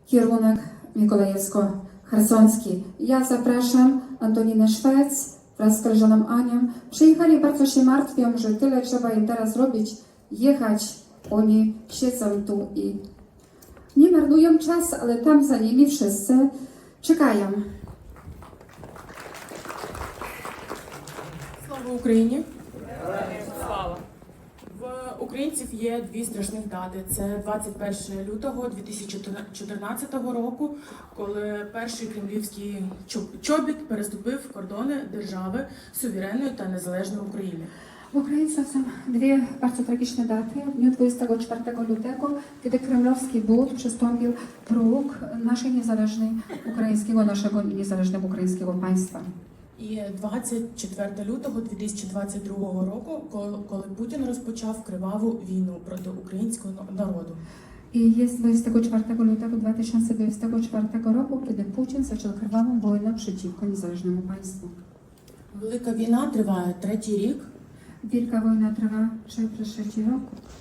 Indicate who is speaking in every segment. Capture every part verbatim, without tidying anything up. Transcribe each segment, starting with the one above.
Speaker 1: kierunek Mikołajewsko-Chersonski. Ja zapraszam Antoninę Szwec wraz z koleżaną Anią. Przyjechali, bardzo się martwią, że tyle trzeba im teraz robić, jechać. Oni siedzą tu i nie marnują czas, ale tam za nimi wszyscy czekają.
Speaker 2: Слава Україні! Слава! В українців є дві страшних дати. Це двадцять першого лютого дві тисячі чотирнадцятого року, коли перший кремлівський чобіт переступив кордони держави суверенної та незалежної України.
Speaker 1: W Ukraińcach są dwie bardzo tragiczne daty. W dniu dwudziestego czwartego lutego, kiedy kremlowski but przystąpił próg naszej niezależnej ukraińskiego, naszego niezależnego ukraińskiego państwa.
Speaker 2: І двадцять четвертого лютого дві тисячі двадцять другого року, коли Путін розпочав криваву війну проти українського народу.
Speaker 1: I jest dwudziestego czwartego lutego dwa tysiące dwudziestego czwartego roku, kiedy Putin zaczął krwawą wojnę przeciwko niezależnemu państwu.
Speaker 2: Велика війна триває третій рік.
Speaker 1: Wielka wojna trwa przez trzeci rok.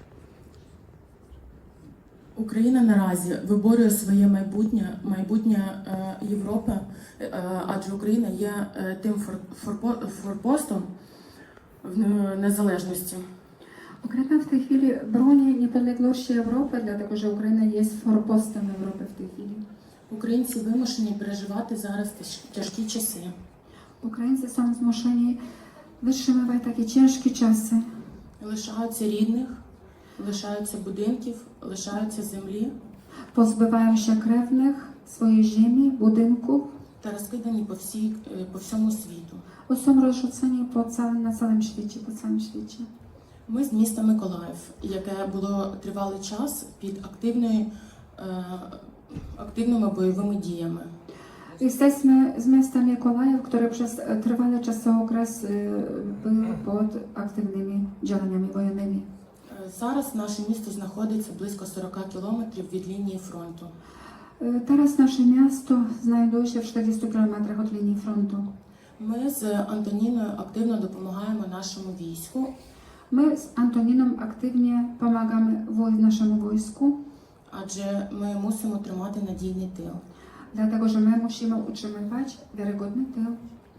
Speaker 2: Україна наразі виборює своє майбутнє, майбутнє е, Європи, е, адже Україна є е, тим фор, форпо, форпостом в незалежності.
Speaker 1: Ukraina w tej chwili broni niepodległości Europy, dlatego że Ukraina jest forpostem Europy w tej chwili.
Speaker 2: Українці вимушені переживати зараз тяжкі часи.
Speaker 1: Ukraińcy są zmuszeni wytrzymywać takie ciężkie czasy.
Speaker 2: Лишаються рідних, лишаються будинків, лишаються землі.
Speaker 1: Pozbywają się krewnych, swojej ziemi, budynków.
Speaker 2: Та розкидані по, всій, по всьому світу.
Speaker 1: Są rozrzuceni po całym, na całym świecie, po całym świecie.
Speaker 2: Ми з міста Миколаїв, яке було тривалий час під активною, е, активними бойовими діями.
Speaker 1: Jesteśmy z miasta Mikołajów, które przez trwały czasokres było pod aktywnymi działaniami wojennymi.
Speaker 2: Зараз наше місто знаходиться близько сорока кілометрів від лінії фронту.
Speaker 1: Teraz nasze miasto znajduje się w czterdziestu kilometrach od linii frontu.
Speaker 2: Ми з Антоніною активно допомагаємо нашому війську.
Speaker 1: My z Antoniną aktywnie pomagamy woj- naszemu wojsku,
Speaker 2: Адже ми мусимо тримати надійний тил.
Speaker 1: dlatego że my musimy utrzymywać wiarygodny tył.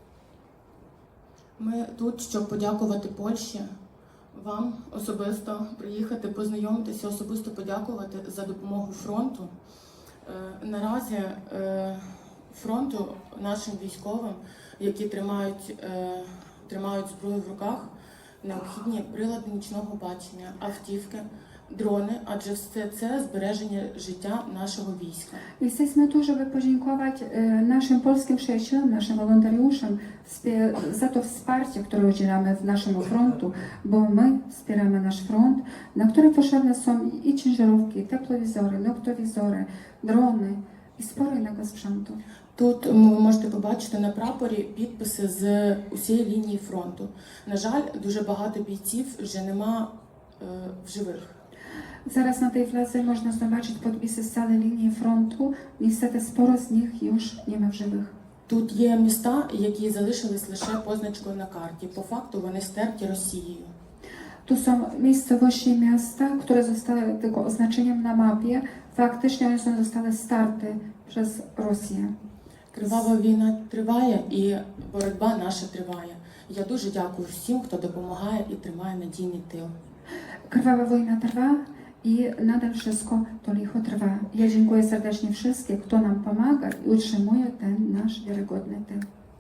Speaker 2: Ми тут, щоб подякувати Польщі, вам особисто приїхати, познайомитися, особисто подякувати за допомогу фронту. Е, Наразі е, фронту нашим військовим, які тримають, е, тримають зброю в руках, необхідні прилади нічного бачення, автівки, drony, adже все це збереження життя нашого війська.
Speaker 1: Jesteśmy tu, żeby podziękować e, naszym polskim przyjaciołom, naszym wolontariuszom spie- za to wsparcie, które udzielamy w naszemu frontu, bo my wspieramy nasz front, na który potrzebne są i ciężarówki, teplowizory, noktowizory, drony i sporo innego sprzętu.
Speaker 2: Тут ви можете побачити на прапорі підписи з усієї лінії фронту. На жаль, дуже багато бійців вже нема е, в живих.
Speaker 1: Zaraz na tej fladze można zobaczyć podpisy z całej linii frontu. Niestety sporo z nich już nie ma w żywych.
Speaker 2: Тут є міста, які залишились лише позначкою на карті. По факту вони стерті Росією.
Speaker 1: Tu są miejscowości i miasta, które zostały tylko oznaczeniem na mapie. Faktycznie one są zostały starte przez Rosję.
Speaker 2: Кривава війна триває і боротьба наша триває. Я дуже дякую всім, хто допомагає і тримає надійний тил.
Speaker 1: Krwawa wojna trwa i nadal wszystko to licho trwa. Ja dziękuję serdecznie wszystkim, kto nam pomaga i utrzymuje ten nasz wiarygodny tył.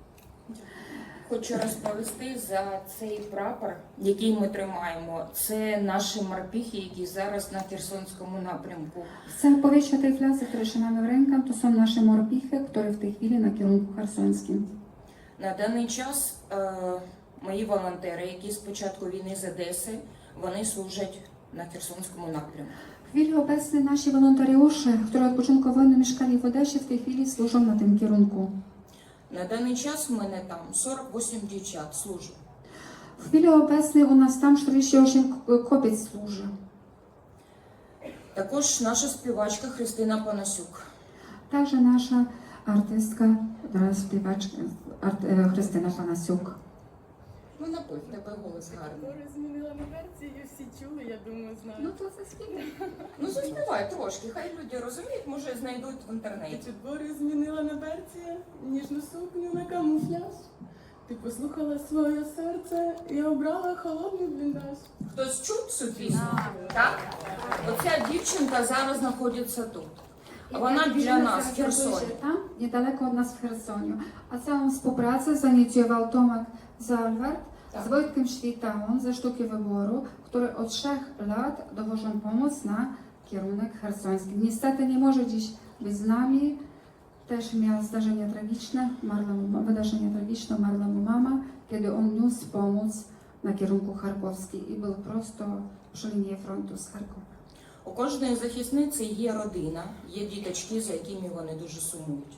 Speaker 3: Хочу розповісти за цей прапор, який ми тримаємо. Це наші морпіхи, які зараз на Херсонському напрямку.
Speaker 1: Chcę powiedzieć o tej fladze, którą trzymamy w rękę. To są nasze morpichy, które w tej chwili na kierunku chersonskim.
Speaker 3: На даний час е, мої волонтери, які з початку війни з Одеси, вони служать на Херсонському напрямку.
Speaker 1: W chwili obecnej nasi wolontariusze, którzy od początku wojny mieszkali w Odesie, w tej chwili służą na tym kierunku.
Speaker 3: На даний час в мене там сорок вісім дівчат служать.
Speaker 1: W chwili obecnej u nas tam czterdzieści osiem kobiet służy.
Speaker 3: Також наша співачка Христина Панасюк.
Speaker 1: Także nasza artystka, teraz śpiewaczka art, e, Krystyna Panasiuk.
Speaker 3: Ну, напев, тебе голос гарний.
Speaker 4: Змінила версію, всі
Speaker 2: чули, я думаю, знають.
Speaker 1: Ну то заспівай.
Speaker 3: Ну заспівай трошки, хай люди розуміють, може знайдуть в
Speaker 2: Ти
Speaker 3: інтернеті.
Speaker 2: чудбори змінила на берці, ніжну сукню на камуфляж. Ти послухала своє серце і обрала холодний бліндаж.
Speaker 3: Хтось чув цю пісню? Так? Оця дівчинка зараз знаходиться тут. Вона біля нас, в Херсоні.
Speaker 1: Там, niedaleko od nas w Chersoniu. A całą współpracę zainicjował Tomek Zalwart
Speaker 3: Tak.
Speaker 1: z Wojtkiem Świtałą ze Sztuki Wyboru, który od trzech lat dowożą pomoc na kierunek hersoński. Niestety nie może dziś być z nami. Też miał zdarzenie tragiczne, umarła mu, wydarzenie tragiczne, umarła mu mama, kiedy on niósł pomoc na kierunku charkowski i był prosto przy linii frontu z Charkowa.
Speaker 3: У кожної захисниці є родина, є діточки, за якими вони дуже сумують.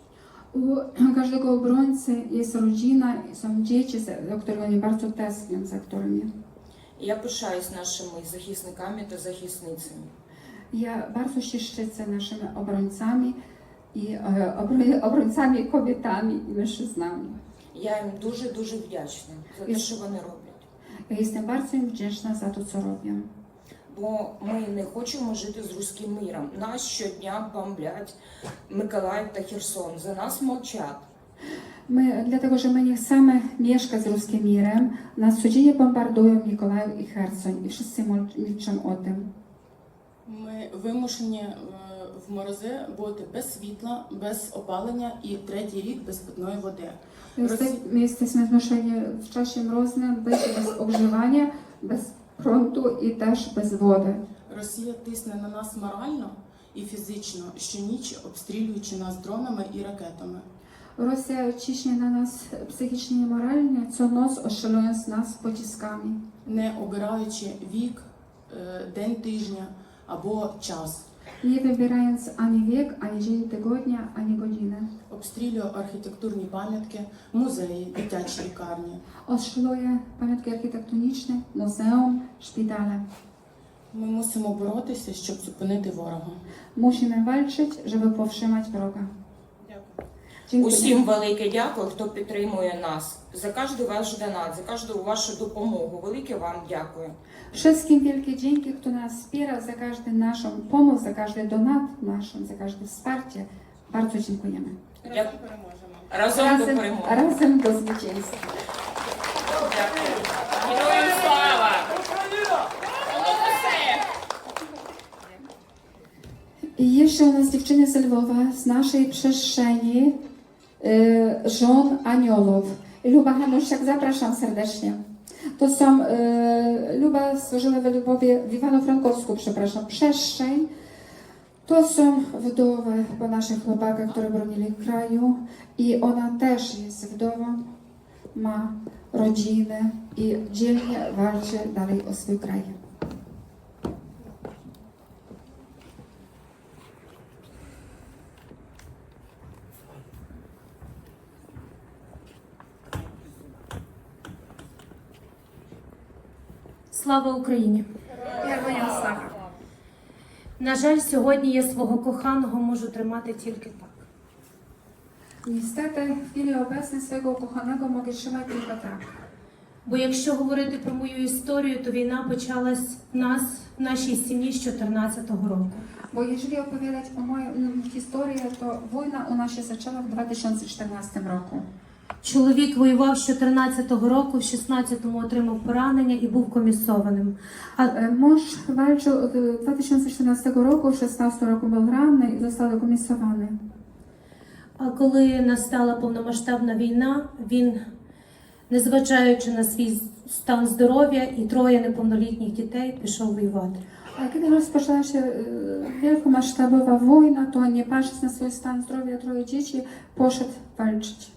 Speaker 1: U każdego obrońcy jest rodzina, są dzieci, za- o których oni bardzo tęsknią, za którymi.
Speaker 3: І я пишаюсь нашими захисниками та захисницями.
Speaker 1: Ja bardzo się szczycę naszymi obrońcami i e, obro- obrońcami kobietami i mężczyznami.
Speaker 3: Я їм дуже-дуже вдячна за те, що вони роблять.
Speaker 1: Ja jestem bardzo im wdzięczna za to, co robią.
Speaker 3: Бо ми не хочемо жити з руським миром. Нас щодня бомблять Миколаїв та Херсон. За нас мовчать.
Speaker 1: My, dlatego, że my nie chcemy mieszkać z ruskim mirem, nas codziennie bombardują Mikołaj i Hersoń i wszyscy mol- milczą o tym.
Speaker 2: Ми вимушені е, в морози бути без світла, без опалення і третій рік без питної води.
Speaker 1: Jeste, my jesteśmy zmuszeni w czasie mroznym być bez ogrzewania, bez prądu i też bez wody.
Speaker 2: Росія тисне на нас морально і фізично щоніч, обстрілюючи нас дронами і ракетами.
Speaker 1: Rosja ciśnie na nas psychicznie i moralnie, co noc ostrzelując nas pociskami,
Speaker 2: Не обираючи вік, е, день тижня або час.
Speaker 1: nie wybierając ani wiek, ani dzień tygodnia, ani godziny.
Speaker 2: Обстрілює архітектурні пам'ятки, музеї, дитячі лікарні.
Speaker 1: Ostrzeluje pamiątki architektoniczne, muzeum, szpitale.
Speaker 2: Ми мусимо боротися, щоб зупинити ворога.
Speaker 1: Musimy walczyć, żeby powstrzymać wroga.
Speaker 2: Дякую.
Speaker 1: Dziękuję.
Speaker 3: Усім велике дякую, хто підтримує нас. За кожен ваш донат, за кожну вашу допомогу. Велике вам дякую.
Speaker 1: Wszystkim wielkie dzięki, kto nas wspiera, za każdy naszą pomoc, za każdy donat naszą, za każde wsparcie. Bardzo dziękujemy.
Speaker 2: Разом переможемо.
Speaker 3: Разом до перемоги.
Speaker 1: razem do zwycięstwa.
Speaker 3: Дякую. Героям слава! Воно все!
Speaker 1: I jeszcze u nas dziewczyny z Lwowa, z naszej przestrzeni y, żon aniołów. Luba Hanusiak, zapraszam serdecznie. To są, y, Luba służyła w Lwowie, w Iwano-Frankowsku, przepraszam, przestrzeń. To są wdowy po naszych chłopakach, które bronili kraju i ona też jest wdową, ma rodzinę i dzielnie walczy dalej o swój kraj.
Speaker 4: Слава Україні! На жаль, сьогодні я свого коханого можу тримати тільки так.
Speaker 1: Niestety w chwili obecnej swojego ukochanego mogę trzymać tylko tak.
Speaker 4: Бо якщо говорити про мою історію, то війна почалась в нас, в нашій сім'ї з чотирнадцятого року.
Speaker 1: Bo jeżeli opowiadać o moją mm, historię, to wojna u nas się zaczęła w dwa tysiące czternastym roku.
Speaker 4: Чоловік воював з чотирнадцятого року, в шістнадцятому отримав поранення і був комісованим. А
Speaker 1: E, Mąż walczył od e, dwa tysiące czternastego roku, w szesnastym roku był ranny i został dekomisowany.
Speaker 4: А коли настала повномасштабна війна, він, незважаючи на свій стан здоров'я і троє неповнолітніх дітей, пішов воювати.
Speaker 1: A kiedy rozpoczęła się e, wielkomasштабowa wojna, to nie patrząc na swój stan zdrowia, troje dzieci, poszedł walczyć.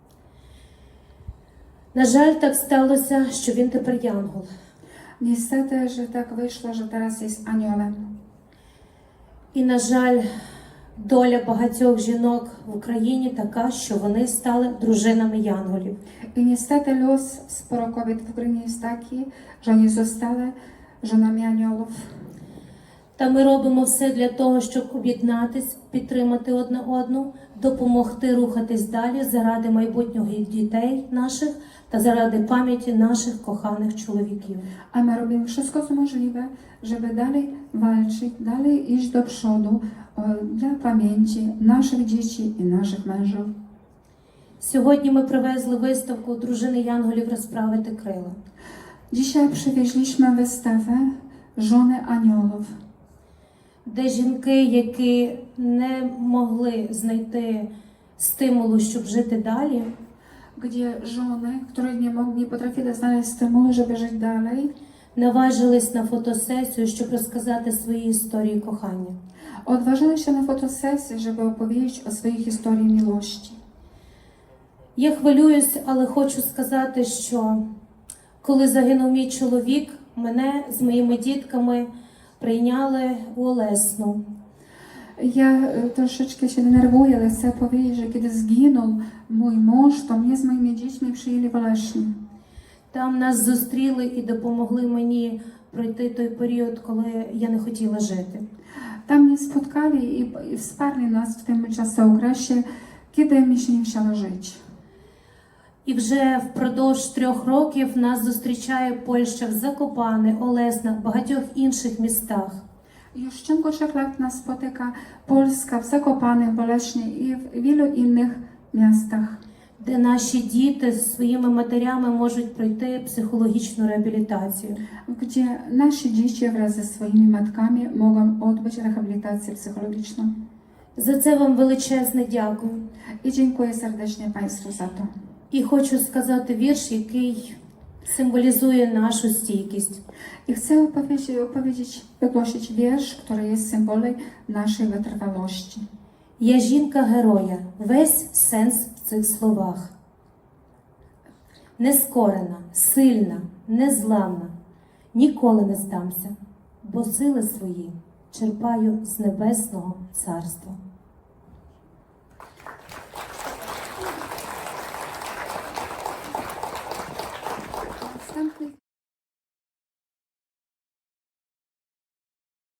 Speaker 4: На жаль, так сталося, що він тепер янгол.
Speaker 1: Niestety, że tak wyszło, że teraz jest aniołem.
Speaker 4: І, на жаль, доля багатьох жінок в Україні така, що вони стали дружинами янголів.
Speaker 1: I niestety los sporo kobiet w Ukrainie jest taki, że oni zostały żonami aniołów.
Speaker 4: Та ми робимо все для того, щоб об'єднатись, підтримати одне одну, допомогти рухатись далі заради майбутнього дітей наших та заради пам'яті наших kochanych człowieków.
Speaker 1: A my robimy wszystko, co możliwe, żeby dalej walczyć, dalej iść do przodu e, dla pamięci naszych dzieci i naszych mężów.
Speaker 4: Сьогодні ми привезли виставку «Дружини Янголів розправити крила».
Speaker 1: Dzisiaj przywieźliśmy wystawę Żony Aniołów,
Speaker 4: де жінки, які не могли знайти стимулу, щоб жити далі,
Speaker 1: gdzie żony, które nie, mogli, nie potrafili znaleźć stymulu, żeby żyć dalej,
Speaker 4: наважились на фотосесію, щоб розказати свої історії кохання.
Speaker 1: odważyły się na fotosesję, żeby opowiedzieć o swojej historii miłości.
Speaker 4: Я хвилююсь, але хочу сказати, що коли загинув мій чоловік, мене з моїми дітками прийняли у Олесну.
Speaker 1: Ja e, troszeczkę się denerwuję, ale chcę powiedzieć, że kiedy zginął mój mąż, to mnie z moimi dziećmi przyjęli w Olesznie.
Speaker 4: Там нас зустріли і допомогли мені пройти той період, коли я не хотіла жити.
Speaker 1: Tam mnie spotkali i, i wsparli nas w tym czasookresie, kiedy mi się nie chciało żyć.
Speaker 4: І вже впродовж трьох років нас зустрічає Польща в Закопане, Олесна, багатьох інших містах.
Speaker 1: I już w ciągu trzech lat nas spotyka Polska w Zakopanem, w Olesznie i w wielu innych miastach,
Speaker 4: Де наші діти зі своїми матерями можуть пройти психологічну реабілітацію.
Speaker 1: gdzie nasi dzieci wraz ze swoimi matkami mogą odbyć rehabilitację psychologiczną.
Speaker 4: За це вам величезне дякую.
Speaker 1: I dziękuję serdecznie Państwu za to.
Speaker 4: І хочу сказати вірш, який символізує нашу стійкість.
Speaker 1: I chcę opowiedzieć, opowiedzieć, wygłosić wiersz, który jest symbolem naszej wytrwałości.
Speaker 4: Я жінка героя, весь сенс в цих словах. Нескорена, сильна, незламна, ніколи не здамся, бо сили свої черпаю з небесного царства.